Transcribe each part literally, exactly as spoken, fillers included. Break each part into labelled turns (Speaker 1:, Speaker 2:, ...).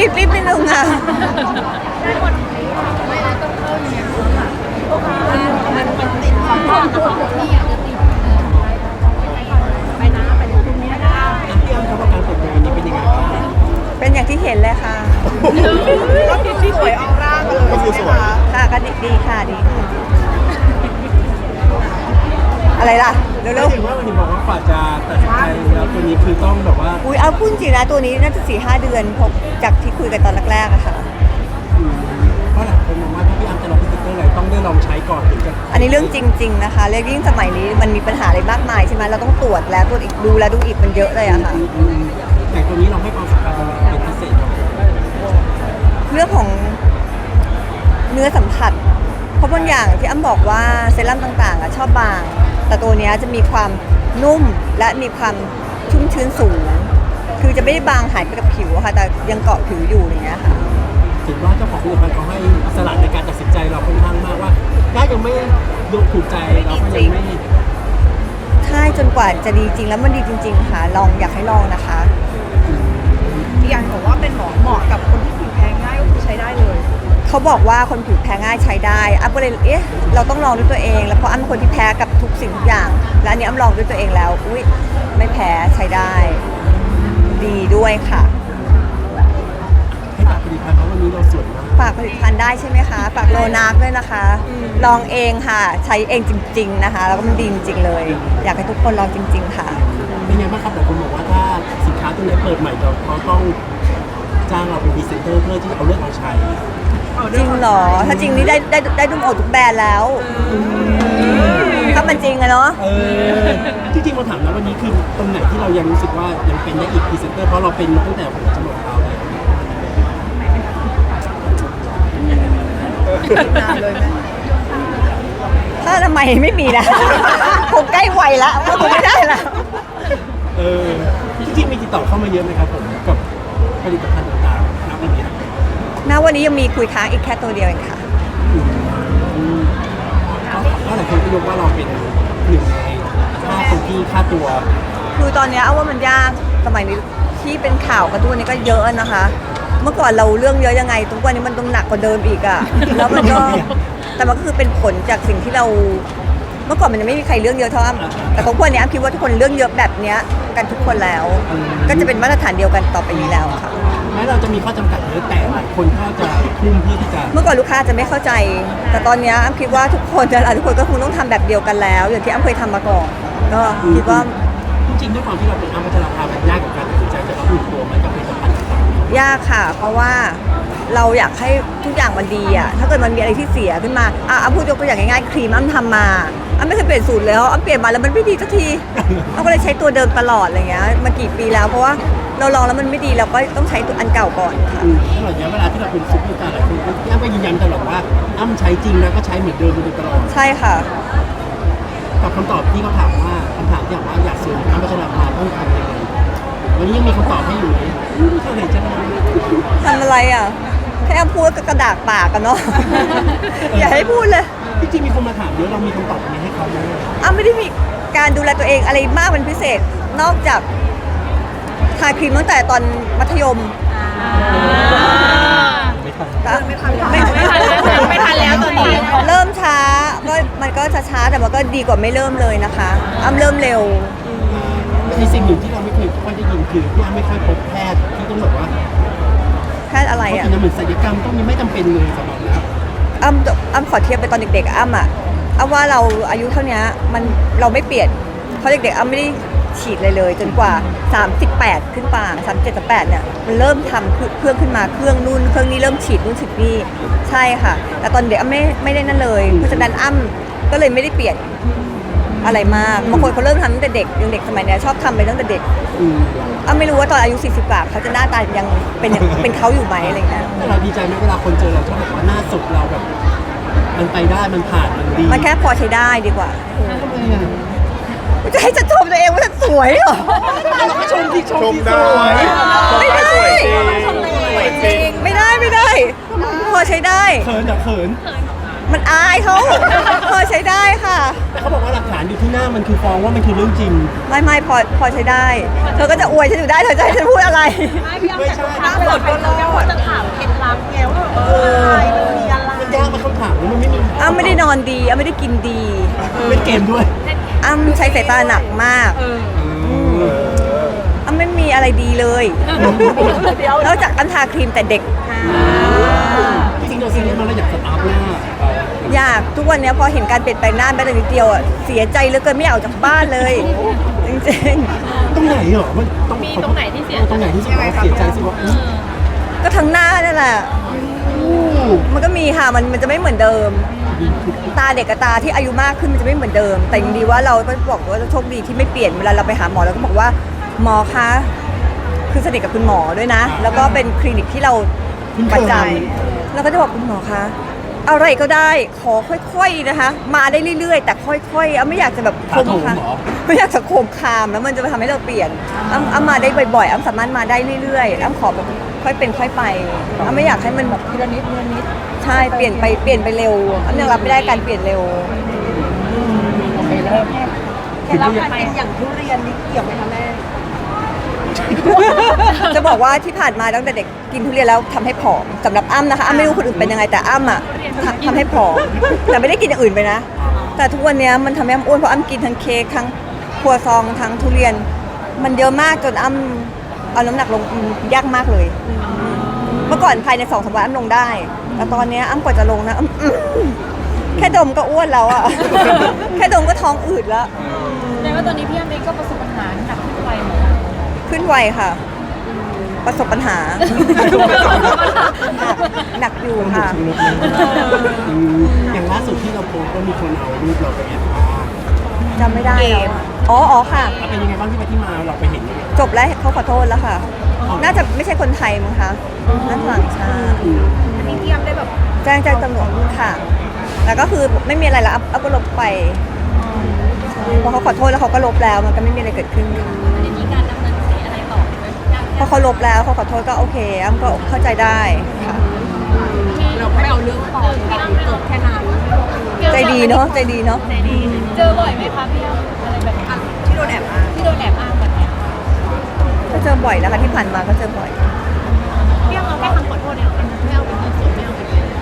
Speaker 1: รีบรีบนิดนึงอ่ะ
Speaker 2: มันมันติดความรักที่อยากจะติดไปนะไปดูตรงนี้นะ
Speaker 3: พี่อ้ำครับการเปิดตัววันนี้เป็นยังไงบ้าง
Speaker 1: เป็นอย่างที่เห็นเลยค่ะ
Speaker 2: ก็คือสวยออร่ากันเลยก็คือสวย
Speaker 1: ค่ะก็ดีดีค่ะดีค่ะอะไรล่ะเร็ว
Speaker 3: เห็นว่าวันนี้บอกว่ากว่าจะตัดสินใจแล้วตัวนี้คือต้องแบบว่า
Speaker 1: ๆอุ้ยเอาพูดจริงนะตัวนี้น่าจะสี่ห้าเดือนพอจากที่คุยกันตอนแรกๆอะค่ะ
Speaker 3: เพราะหลายคนมองว่าถ้าพี่อ้ำจะลองพิจิตรอะไรต้องได้ลองใช้ก่อนถึงจะ
Speaker 1: อันนี้เรื่องจริงๆนะคะเรื่องยิ่งสมัยนี้มันมีปัญหาอะไรมากมายใช่ไหมเราต้องตรวจแล้วตรวจอีกดูแล้วดูอีกมันเยอะเลยอะค่ะ
Speaker 3: แต่ตัวนี้เราให้ความสำคัญเป็นพิเศษ
Speaker 1: เรื่องของเนื้อสัมผัสเพราะบางอย่างที่อ้ำบอกว่าเซรั่มต่างๆอะชอบบางแต่ตัวนี้จะมีความนุ่มและมีความชุ่มชื้นสูงคือจะไม่ได้บางหายไปกับผิวค่ะแต่ยังเกาะผิวอยู่อย่างเงี้ยค่ะ
Speaker 3: ถือว่าเจ้าของผลิตภัณฑ์เขาให้อิสระในการตัดสินใจเราค่อนข้างมากว่าถ้ายังไม่ดูถูกใจเราก็ยังไม่
Speaker 1: ใช่จนกว่าจะดีจริงแล้วมันดีจริงๆค่ะลองอยากให้ลองนะคะ
Speaker 2: พี่ยันบอกว่าเป็นหมอเหมาะกับคนที่ผิวแพ้ง่ายก็คือใช้ได้เลย
Speaker 1: เขาบอกว่าคนผิวแพ้ง่ายใช้ได้อ้ำก็เลยเอ๊ะเราต้องลองด้วยตัวเองแล้วเพราะอ้ำเป็นคนที่แพ้กับทุกสิ่งทุกอย่างและอันนี้อ้ำลองด้วยตัวเองแล้วอุ้ยไม่แพ้ใช้ได้ดีด้วยค่ะ
Speaker 3: ให้ฝากผลิตภัณฑ์เพราะวันนี้เราสวยมาก
Speaker 1: ฝากผลิตภัณฑ์ได้ใช่ไหมคะฝากโลนาร์กด้วยนะคะลองเองค่ะใช้เองจริงๆนะคะแล้วก็มันดีจริงๆเลยอยากให้ทุกคนลองจริงๆค่ะ
Speaker 3: เป็นไงบ้างครับหลายคนบอกว่าถ้าสินค้าตัวไหนเปิดใหม่เราเขาต้องจ้างเราเป็นพรีเซนเตอร์เพื่อที่เอาเรื่องเอาใช้
Speaker 1: จริงเหรอถ้าจริงนี่ได้ได้ได้ดุมโอทุกแบรนด์แล้วถ้ามันจริงอะเนาะ
Speaker 3: จริงๆเราถามนะวันนี้คือตรงไหนที่เรายังรู้สึกว่ายังเป็นได้อีกพรีเซนเตอร์เพราะเราเป็นมาตั้งแต่หัวจรดเท้าเลย
Speaker 2: นานเลยไหม
Speaker 1: ถ้าทำไมไม่มีนะคงใกล้วัยละก็คงไม่ได้ละ
Speaker 3: เออจริงๆมีติดต่อเข้ามาเยอะไหมครับผมกับผลิตภัณฑ์ต่างๆณวันนี้
Speaker 1: ณวันนี้ยังมีคุยค้างอีกแค่ตัวเดียวเองค่ะ
Speaker 3: เพราะหลายคนก็ยกว่าเราเป็นหนึ่งในห้าคนที่ค่าตัว
Speaker 1: คือตอนนี้เอาว่ามันยากสมัยนี้ที่เป็นข่าวกันทุกวันนี้ก็เยอะนะคะ เมื่อก่อนเราเรื่องเยอะยังไงทุกวันนี้มันต้องหนักกว่าเดิมอีกอ่ะแล้วมันก็แต่มันก็คือเป็นผลจากสิ่งที่เราเมื่อก่อนมันยังไม่มีใครเรื่องเยอะเท่าอ้ำแต่ของพวกนี้อ้ำคิดว่าทุกคนเรื่องเยอะแบบนี้กันทุกคนแล้วก็จะเป็นมาตรฐานเดียวกันต่อไปนี้แล้วค่ะ
Speaker 3: แม้เราจะมีข้อจำกัดเยอะแต่หลายคนก็จะทุ่มเพื่อที่จะ
Speaker 1: เมื่อก่อนลูกค้าจะไม่เข้าใจแต่ตอนนี้อ้ำคิดว่าทุกคนจะทุกคนก็คงต้องทำแบบเดียวกันแล้วอย่างที่อ้ำเคยทำมาก่อนก็คิดว่า
Speaker 3: จริงๆด้วยความที่เราเป็นอ้ำพัชราภามันยากกับการตัดสินใจจะรับผิดตัวมันกับผลิตภัณฑ์ต่าง
Speaker 1: ๆยากค่ะเพราะว่าเราอยากให้ทุกอย่างมันดีอ่ะถ้าเกิดมันมีอะไรที่เสียขึ้นมาอ่ะอ้ำพูดยกตัวอย่างง่ายๆครีมอ้ำทำมาอ้ำไม่เคยเปลี่ยนสูตรเลยอ้ำเปลี่ยนมาแล้วมันไม่ดีสักทีอ้ำก็เลยใช้ตัวเดิมตลอดอะไรเงี้ยมากี่ปีแล้วเพราะว่าเราลองแล้วมันไม่ดีเราก็ต้องใช้ตัวอันเก่าก่อนค่ะ
Speaker 3: ตลอดระยะเวลาที่เราเป็นซุปเปอร์สตาร์หลายคนที่อ้ำก็ยืนยันตลอดว่าอ้ำใช้จริงแล้วก็ใช้เหมือนเดิมมาโดยตลอด
Speaker 1: ใช่ค่ะ
Speaker 3: กับคำตอบที่เขาถามว่าคำถามที่ถามว่าอยากสวยอ้ำพัชราภาต้องทำยังไงวันนี้ยังมีคำตอบให้อยู่ไหมเท่าไหร่จะ
Speaker 1: ทำอะไรอ่ะแค่พูดก็กระดากปากกันเนาะอย่าให้พูดเลย
Speaker 3: จริงๆมีคนมาถามเยอะเรามีคำตอบนี้ให้เขาไหม
Speaker 1: อ้ำไม่ได้มีการดูแลตัวเองอะไรมากเป็นพิเศษนอกจากทาครีมตั้งแต่ตอนมัธยม
Speaker 3: ไม่ทัน
Speaker 2: ไม่ทันไม่ทันไม่ทันแล้วตอนนี้
Speaker 1: เริ่มช้าก็มันก็ช้าๆแต่มันก็ดีกว่าไม่เริ่มเลยนะคะอ้ำเริ่มเร็ว
Speaker 3: มีสิ่งหนึ่งที่เราไม่เคยค่อยได้ยินคือพี่อ้ำไม่ค่อยพบแพทย์ที่ต้องบอกว่า
Speaker 1: แพทย์อะไรอ่ะ
Speaker 3: เหมือนศัลยกรรมต้องมีไม่จำเป็นเลยสำหรับเรา
Speaker 1: อ้ำอ้ำขอเทียบไปตอนเด็กๆอ้ำอ่ะอ้ำว่าเราอายุเท่านี้มันเราไม่เปลี่ยนเพราะเด็กๆอ้ำไม่ได้ฉีดเลยเลยจนกว่าสามสิบแปดขึ้นไปสามสิบเจ็ด สามสิบแปดเนี่ยมันเริ่มทำเครื่องขึ้นมาเครื่องนู่นเครื่องนี้เริ่มฉีดนู่นฉีดนี่ใช่ค่ะแต่ตอนเด็กอ้ำไม่ไม่ได้นั่นเลยเพราะฉะนั้นอ้ำก็เลยไม่ได้เปลี่ยนอะไรมากบางคนเขาเริ่มทำตั้งแต่เด็กยังเด็กสมัยนี้ชอบทำไปตั้งแต่เด็กอ้ำไม่รู้ว่าตอนอายุสี่สิบกว่าเขาจะหน้าตายังเป็นเป็นเขาอยู่ไหมอะไรเงี้ย
Speaker 3: แต่เราดีใจไหมเวลาคนเจอเราชอบบอกว่าหน้าสดเราแบบมันไปได้มันผ่านมันดี
Speaker 1: มันแค่พอใช้ได้ดีกว่า
Speaker 3: ทำไมอ่ะ
Speaker 1: จะให้ฉันชมตัวเองว่าฉันสวยเหรอ
Speaker 3: เราก็ชมที่ชมที่
Speaker 4: สวย
Speaker 1: ไม่ได้ไม่ได้ไม่ได้พอใช้ได้
Speaker 3: เขินอย่าเขิน
Speaker 1: มันอายเขาพอใช้ได้ค่ะ
Speaker 3: แต่เขาบอกว่าหลักฐานอยู่ที่หน้ามันคือฟ้องว่ามันคือเรื่องจริง
Speaker 1: ไม่ไม่พอพอใช้ได้ เธอก็จะอวยฉันอยู่ได้เธอจะให้ฉันพูดอะไร
Speaker 2: ไม่พี่อ้ำ
Speaker 3: ไม่
Speaker 2: แต่
Speaker 3: ใช่
Speaker 2: ถ้าเกิดเป็นเราก็จะถามเคล็ดลับไงว่าเอออะไรมันมีอะไร
Speaker 3: มันยากมาคำถามนี้มันไม่มี
Speaker 1: อ้ำไม่ได้นอนดีอ้ำไม่ได้กินดี
Speaker 3: เล่นเกมด้วย
Speaker 1: อ้ำใช้สายตาหนักมาก
Speaker 2: เออ
Speaker 1: อ้ำไม่มีอะไรดีเลย
Speaker 2: เดี๋ยวน
Speaker 1: อกจากอ้ำทาครีมแต่เด็ก
Speaker 3: จริงๆเราซีเรียสมันเราอยากสตาร์ทหน้า
Speaker 1: อยากทุกวันเนี้ยพอเห็นการเปลี่ยนแปลงหน้าแม้แต่นิดเดียวอ่ะเสียใจเหลือเกินไม่อยากออกจากบ้านเลย จริง
Speaker 3: ตรงไหนเหรอมันต้อง
Speaker 2: มีตรงไหนที่เสีย
Speaker 3: ตรงไหนที่รู้สึกว่าเสียใจสิว่าอื้อ
Speaker 1: ๆ ก็ทั้งหน้านั่นแหละ มันก็มีค่ะมันมันจะไม่เหมือนเดิม ตาเด็กกับตาที่อายุมากขึ้นมันจะไม่เหมือนเดิม แต่ยังดีว่าเราก็บอกว่าโชคดีที่ไม่เปลี่ยนเวลาเราไปหาหมอเราก็บอกว่าหมอคะคือสนิทกับคุณหมอด้วยนะ แล้วก็เป็นคลินิกที่เราประจำแล้วก็จะบอกคุณหมอคะอะไรก็ได้ขอค่อยๆนะคะ มาได้เรื่อยๆ แต่ค่อยๆอ้ำไม่อยากจะแบบโคมคามไม่อยากจะโคมคามแล้วมันจะทำให้เราเปลี่ยนอ้ำอ้ำมาได้บ่อยๆอ้ำสามารถมาได้เรื่อยๆอ้ำขอแบบค่อยเป็นค่อยไปอ้ำไม่อยากให้มันแบบทีละนิดทีละนิดใช่เปลี่ยนไปเปลี่ยนไปเร็วอ้ำยังรับไม่ได้การเปลี่ยนเร็ว
Speaker 2: เคล็ดลับการกินอย่างทุเรียนนี่เกี่ยวไหมคะแม่
Speaker 1: จะบอกว่าที่ผ่านมาตั้งแต่เด็กกินทุเรียนแล้วทำให้ผอมสำหรับอ้ำนะคะอ้ำไม่รู้คนอื่นเป็นยังไงแต่อ้ำอ่ะทำทำให้ผอมแต่ไม่ได้กินอย่างอื่นไปนะ แต่ทุกวันเนี้ยมันทำให้อ้ำอ้วนเพราะอ้ำกินทั้งเค้กทั้งครัวซองทั้งทุเรียน มันเยอะมากจนอ้ำเอาน้ำหนักลงยากมากเลย เมื่อก่อนภายในสองสามวันอ้ำลงได้ แต่ตอนเนี้ยอ้ำกว่าจะลงนะอ้ำอื้อแค่ดมก็อ้วนแล้วอ่ะ แค่ดมก็ท้องอืดแล้ว
Speaker 2: แสดงว่าตอนนี้พี่อ้ำเองก็ประสบปัญหาหนักขึ้นไปเหมือนกัน
Speaker 1: ขึ้นไวค่ะ ประสบปัญหา หนักอยู่ค่ะ
Speaker 3: ชุดเลยอืมอย่างล่าสุดที่เราโพสต์ก็มีคนเอารูปเราไปแอบอ้าง
Speaker 1: จำไม่ได้แล้วอะอ๋ออ๋อค่ะ
Speaker 3: แล้วเป็นยังไงบ้างที่ไปที่มาเราไปเห็นยังไง
Speaker 1: จบแล้วเขาขอโทษแล้วค่ะ น่าจะไม่ใช่คนไทยมั้งคะน่าจะต่างชาติ
Speaker 2: อันนี้พี่อ้ำได้แบบ
Speaker 1: แจ้งแจ้งตำรวจค่ะ แล้วก็คือไม่มีอะไรแล้วเอาก็ลบไปพอเขาขอโทษแล้วเขาก็ลบแล้ว มันก็ไม่มีอะไรเกิดขึ้นค่ะ
Speaker 2: จะมีการดำเนินคดีอะไรต่อไหม
Speaker 1: พอเขาลบแล้วเขาขอโทษก็โอเคอ้ำก็เข้าใจได้ค่ะ
Speaker 2: เราไม่เอาเรื่องต่อพี่อ้ำจบแค่นั้น
Speaker 1: ใจดีเนาะใจดีเนาะ
Speaker 2: ใจดีเจอบ่อยไหมคะพี่อ้ำอะไรแบบนี้ที่โดนแอบอ้างที่โดนแอบอ้างแบบเนี้ย
Speaker 1: ก็เจอบ่อยนะคะที่ผ่านมาก็เจอบ่อย
Speaker 2: พี่อ้ำเอาแค่คำขอโทษเนี่ยมันไม่เอาเป็นเงินสดไม่เอาเป็นเงิน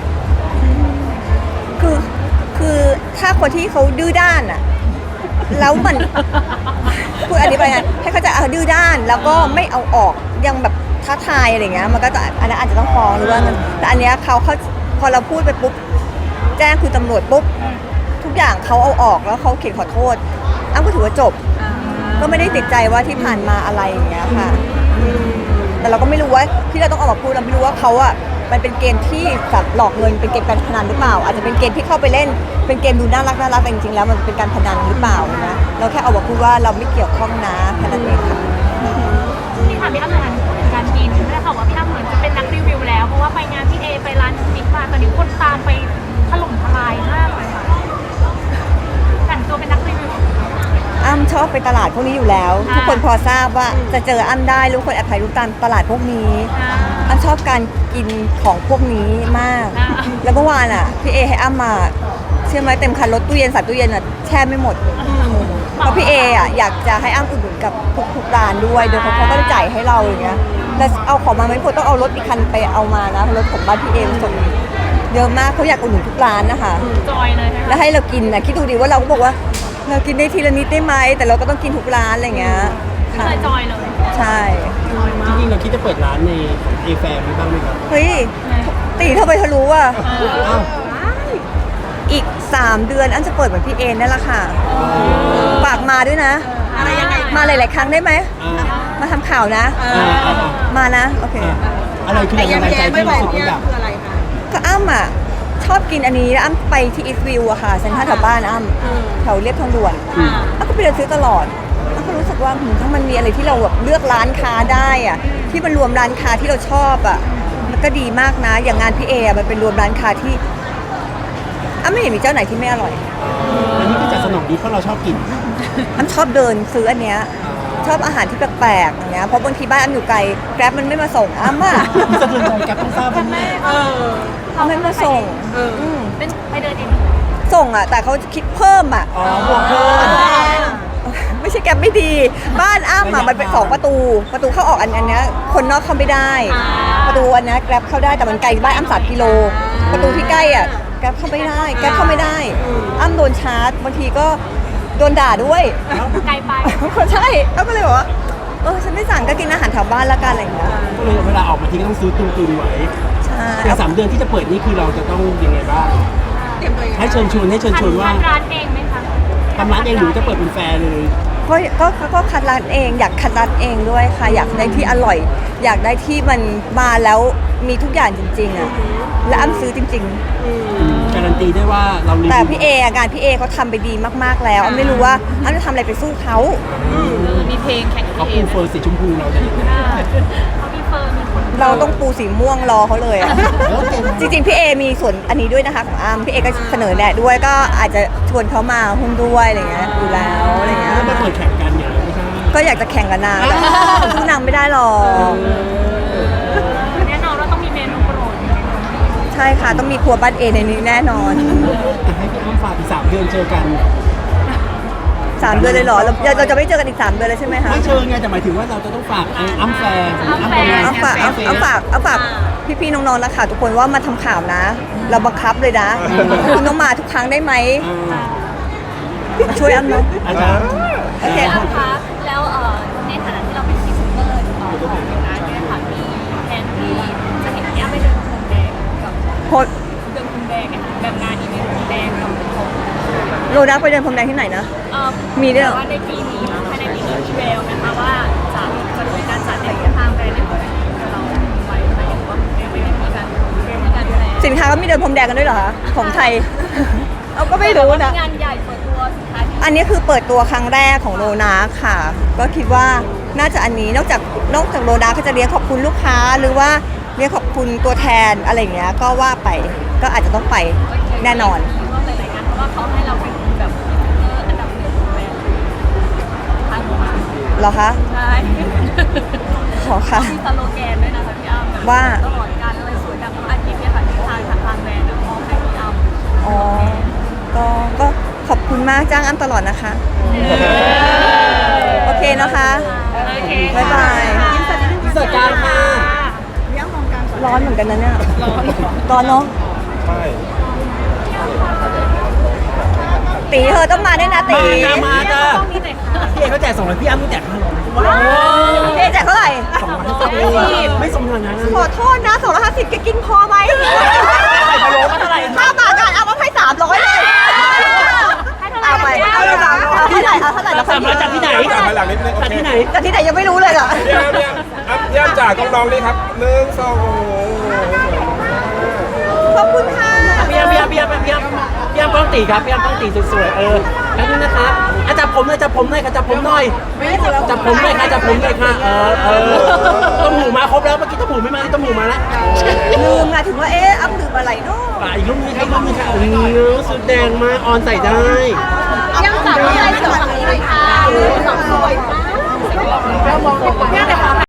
Speaker 1: คือคือถ้าคนที่เขาดื้อด้านอะแล้วมัน พูดอธิบายไงให้เขาใจะเอาดื้อด้าน แล้วก็ไม่เอาออกยังแบบท้าทายอะไรเงี้ยมันก็จะอันนั้นอาจจะต้องฟ้องหรือว่าเงินแต่อันเนี้ยเขาเขาพอเราพูดไปปุ๊บแจ้งคือตำรวจปุ๊บทุกอย่างเขาเอาออกแล้วเขาเขียนขอโทษอ้ำก็ถือว่าจบ ก็ไม่ได้ติดใจว่าที่ผ่านมาอะไรอย่างเงี้ยค่ะ แต่เราก็ไม่รู้ว่าที่เราต้องออกมาพูดเราไม่รู้ว่าเขาอะมันเป็นเกมที่แบบหลอกเงินเป็นเกมการพนันหรือเปล่า อาจจะเป็นเกมที่เข้าไปเล่น เป็นเกมดูน่ารักน่ารักแต่จริงๆแล้วมันเป็นการพนันหรือเปล่านะเราแค่เอามาพูดว่าเราไม่เกี่ยวข้องนะแค่นั้นเองค่ะ
Speaker 4: พี่ถามพี่อ้ำงานการกินได้ข่าวว่าพี่อ้ำเหมือนจะเป็นนักรีวิวแล้วเพราะว่าไปงานพี่เอไปร้านบิ๊กมาตอนนี้คนตามไปถล่มทลายมากเลยค่ะแต่งตัวเป็นนักรีวิว
Speaker 1: อ้ำชอบไปตลาดพวกนี้อยู่แล้ว ทุกคนพอทราบว่าจะเจออ้ำได้รู้คนแอบถ่ายรูปตามตลาดพวกนี้
Speaker 4: อ่า
Speaker 1: อ้ำชอบการกินของพวกนี้มาก
Speaker 4: อ่า
Speaker 1: แล้วเมื่อวานอ่ะพี่เอให้อ้ำมาเชื่อไหมเต็มคันรถตู้เย็นสัตว์ตู้เย็นอ่ะแช่ไม่หมดเพราะพี่เออ่ะอยากจะให้อ้ำอุดหนุนกับทุกทุกร้านด้วยโดยเขาเขาก็จะจ่ายให้เราอย่างเงี้ยแล้วเอาของมาไม่พอต้องเอารถอีกคันไปเอามานะรถของบ้านพี่เอส่งเยอะมากเขาอยากอุดหนุนทุกร้านนะคะ
Speaker 4: จอยเลยใช่ไหม
Speaker 1: แล้วให้เรากินนะคิดดูดีว่าเราก็บอกว่าเรากินได้ทีละนิดได้ไหมแต่เราก็ต้องกินทุกร้านอะไรเงี้ยค่ะ
Speaker 4: เลยจอยเลย
Speaker 1: ใช่
Speaker 3: จริงๆเราคิดจะเปิดร้านในเอแฟร์มีบ้างไหมครับ
Speaker 1: เฮ้ยตีเท่าไปทะลุอ่ะ
Speaker 3: อ้าว
Speaker 1: อีกสามเดือนอันจะเปิดเหมือนพี่เอนั่นแหละค่ะฝากมาด้วยนะ
Speaker 2: อะไรยังไง
Speaker 1: มาหลายๆครั้งได้ไหม
Speaker 3: อ่า
Speaker 1: มาทำข่าวนะ
Speaker 3: อ่าอ่าอ่า
Speaker 1: มานะโอเค
Speaker 3: อะไรคือแรงบันดาลใจที่รู้สึกว่าอยาก
Speaker 2: คืออะไรคะ
Speaker 1: ก็อ้ำอ่ะชอบกินอันนี้แล้วอ้ำไปที่อีสต์วิวอะค่ะเซ็นทรัลแถวบ้านอ้ำแถวเรียบทางด่วน
Speaker 3: อืม
Speaker 1: อ้ำก็ไปเดินซื้อตลอดอ้ำก็รู้สึกว่าหืมถ้ามันมีอะไรที่เราแบบเลือกร้านค้าได้อะที่มันรวมร้านค้าที่เราชอบอะมันก็ดีมากนะ อย่างงานพี่เออะมันเป็นรวมร้านค้าที่อ้ำไม่เห็นมีเจ้าไหนที่ไม่อร่อย
Speaker 3: อันนี้คือจัดสนองดีเพราะเราชอบกิน
Speaker 1: อ้ำชอบเดินซื้ออันเนี้ยชอบอาหารที่แปลกๆอย่างเงี้ยเพราะบางทีบ้านอ้ำอยู่ไกลแกร็บมันไม่มาส่งอ้ำอะ
Speaker 3: สะเทือนใจกับต้องทราบว่าแม่
Speaker 2: เออ
Speaker 1: เขาไม่มาส่ง
Speaker 2: เออ
Speaker 1: อืม
Speaker 4: เป็นไปเดินเอง
Speaker 1: ส่งอ่ะแต่เขาคิดเพิ่มอ่ะ
Speaker 3: อ๋อบวกเพิ่ม
Speaker 1: ไม่ใช่แกรบไม่ดี บ้านอ้ำอ่ะมันเป็นสองประตู ประตูเข้าออกอันอันเนี้ยคนนอกเข้าไม่ได้ ประตูอันเนี้ยแกรบเข้าได้แต่มันไกลบ้านอ้ำสามกิโล ประตูที่ใกล้อ่ะแกรบเข้าไม่ได้แกรบเข้าไม่ได้อ้ำโดนชาร์จบางทีก็โดนด่าด้วย
Speaker 4: ไกลไป
Speaker 1: ใช่อ้ำก็เลยบอกว่าเออฉันไม่สั่งก็กินอาหารแถวบ้านละกันอะไรอย่างเงี้ย
Speaker 3: ก็เลยเวลาออกมาทีก็ต้องซื้อตุนตุนๆไว้
Speaker 1: ใช่
Speaker 3: แต่สามเดือนที่จะเปิดนี่คือเราจะต้องยังไงบ้าง
Speaker 2: เตรียมตัวยังไง
Speaker 3: ให้เชิญชวนให้เชิญชวนว่า
Speaker 4: ทำร้านเองไหมคะ
Speaker 3: ทำร้านเองหรือจะเปิดเป็นแฟร์เลย
Speaker 1: ก็ก็ก็ก็คัดร้านเองอยากคัดร้านเองด้วยค่ะ อยากได้ที่อร่อย อยากได้ที่มันมาแล้วมีทุกอย่างจริง ๆอ่ะและอ้ำซื้อจริง ๆ
Speaker 3: การันตีได้ว่าเรารีวิว
Speaker 1: แต่พี่เออะงานพี่เอเขาทำไปดีมากๆแล้วอ้ำไม่รู้ว่าอ้ำจะทำอะไรไปสู้เขา
Speaker 2: มีเพลงแข่งกับ
Speaker 3: เขา
Speaker 2: พี่เอ
Speaker 3: ปูเฟิร์นสีชมพูเราจะเห็น
Speaker 4: เขามีเฟิร์มมีคน
Speaker 1: เราต้องปูสีม่วงรอเขาเลยอะ
Speaker 3: โอเค
Speaker 1: จริงๆพี่เอมีส่วนอันนี้ด้วยนะคะของอ้ำพี่เอก็เสนอแนะด้วยก็อาจจะชวนเขามาหุ้นด้วยอะไรเงี้ยอยู่แล้วอะไรเงี้ย
Speaker 3: แล้วมาเปิดแข่งกันอย่างไรไม่ใช่
Speaker 1: ก็อยากจะแข่งกับนางแต่สู้นางไม่ได้หรอก
Speaker 4: แน่นอนว่าต้องมีเมนูโปรด
Speaker 1: ใช่ค่ะต้องมีครัวบ้านเอในนี้แน่นอน
Speaker 3: แต่ให้พี่อ้ำฝากอีกสามเดือนเจอกัน
Speaker 1: สามเดือนเลยเหรอเราเราจะไม่เจอกันอีกสามเดือนเลยใช่ไหมคะ
Speaker 3: ไม่เชิญไงแต่หมายถึงว่าเราจะต้องฝากไอ้อ้ำแฟร์อ้ำแฟร์
Speaker 1: เอาฝากเอาเอาฝากเอาฝากพี่ๆน้องๆนะคะทุกคนว่ามาทำข่าวนะ เราบังคับเลยนะคุณต้องมาทุกครั้งได้ไหมมาช่วยอ้ำเนาะ
Speaker 3: อาจารย์
Speaker 1: โอเค
Speaker 4: อ้ำคะแล้วเอ่อในฐานะที่เราเป็นพรีเซนเตอร์เอ่อของร้านเนี่ยค่ะมีแผนที่จะเห็นพี่อ้ำไปเดินพรมแดงกับ
Speaker 1: โพส
Speaker 4: เดินพรมแดงเนี่ยค่ะแบบงานอีเวนต์พรมแดงกับของ
Speaker 1: โรนักไปเดินพรมแดงที่ไหนนะ
Speaker 4: เอ่อ
Speaker 1: มีด้วยเหรอ
Speaker 4: ว่าในปีนี้ภายในปีนี้มีแววนะคะว่าจะจะมีการจัดในทางแบรนด์ในของเราไว้ไหมหรือว่ายังไม่ได้มีการเตรียมการแถลง
Speaker 1: สินค้าก็มีเดินพรมแดงกันด้วยเหรอคะของไทย เอาก็ไม่รู้นะ
Speaker 4: งานใหญ่เปิดตัวสินค้าที่
Speaker 1: อันนี้คือเปิดตัวครั้งแรกของโรนาค่ะ ก็คิดว่าน่าจะอันนี้นอกจากนอกจากโรนาก็จะเลี้ยงขอบคุณลูกค้า หรือว่าเลี้ยงขอบคุณตัวแทนอะไรอย่างเงี้ยก็ว่าไปก็อาจจะต้องไปแน่นอน
Speaker 4: ร่วมหลายๆงานเพราะว่าเขาให้เราเป็นแบบพรีเซนเตอร์อันดับหนึ่งของแบรนด์ทางโรงงาน
Speaker 1: เหรอคะ
Speaker 4: ใช่
Speaker 1: ขอค่ะ
Speaker 4: มีสโลแกนด้วยนะคะพี่อ้ำแบบ
Speaker 1: ว่า
Speaker 4: ตลอดการอะไรสวยดังอาทิตย์เนี่ยค่ะที่ทางทางแบรนด์มอบให้พี่อ้ำ
Speaker 1: อ๋อก็ก็ขอบคุณมากจ้างอ้ำตลอดนะคะ โอเคนะคะ
Speaker 4: โอเค
Speaker 1: บ๊ายบาย
Speaker 3: พิเศษการค่ะ
Speaker 1: ร้อนเหมือนกันนะเนี่ย ร้อนเนาะ
Speaker 5: ใช่
Speaker 1: ตีเธอต้องมาด้วยนะตี
Speaker 3: มาจ้ามาจ้า
Speaker 4: ต้องมีแต่ค่ะ
Speaker 3: พี่เอกเขาแจกสองร้อยพี่อ้ำต้องแจกห้าร้อย
Speaker 1: เจ๊แจกเท่าไหร่
Speaker 3: สองร้อยห้าสิบไม่สมฐานะ
Speaker 1: ขอโทษนะสองร้อยห้าสิบแกกินพอไหม
Speaker 3: ไข่พะโล้ก็เท่าไหร่
Speaker 1: ถ้ามากันเอามาให้สามร้อยเลย
Speaker 4: ให้เท่าไหร่
Speaker 1: เอาไปเอาไปสามร้อยเอาเท่าไหร่เอาเท่าไหร่แล้วค่อย
Speaker 3: สามร้อยจากที่ไหน
Speaker 5: กลับมาหลังนิดนึงโอ
Speaker 3: จาก
Speaker 5: เค
Speaker 3: ที่ไหน
Speaker 1: จากที่ไหนยังไม่รู้เลยเหรอ
Speaker 5: เยี่ยมเยี่ยมอัพเยี่ยมจ่าต้องลองนี่ครับหนึ่งสอง
Speaker 1: ขอบคุณค่ะ
Speaker 3: พี่อ้ำพี่อ้ำพี่อ้ำพี่อ้ำพี่อ้ำต้องตีครับพี่อ้ำต้องตีสวยๆเออแล้วนี่นะคะอาจับผมหน่อยจับผมหน่อยค่ะจับผมหน่อยจับผมหน่อยค่ะจับผมหน่อยค่ะเออเออต้มหูมาครบแล้วเมื่อกี้ต้มหูไม่มาที่ต้มหูมาแล้ว
Speaker 1: ลืมอะถึงว่าเอ๊ะอ้ำลืมอะไรเนาะ
Speaker 3: อ่ะอีกรูปนึงครับอีกรูปนึงค่ะโอ้โหสุดแดงมากออนใส่ได้
Speaker 2: ยังจับไม่ได้จับฝั่งนี้เลยค่ะสวยมาก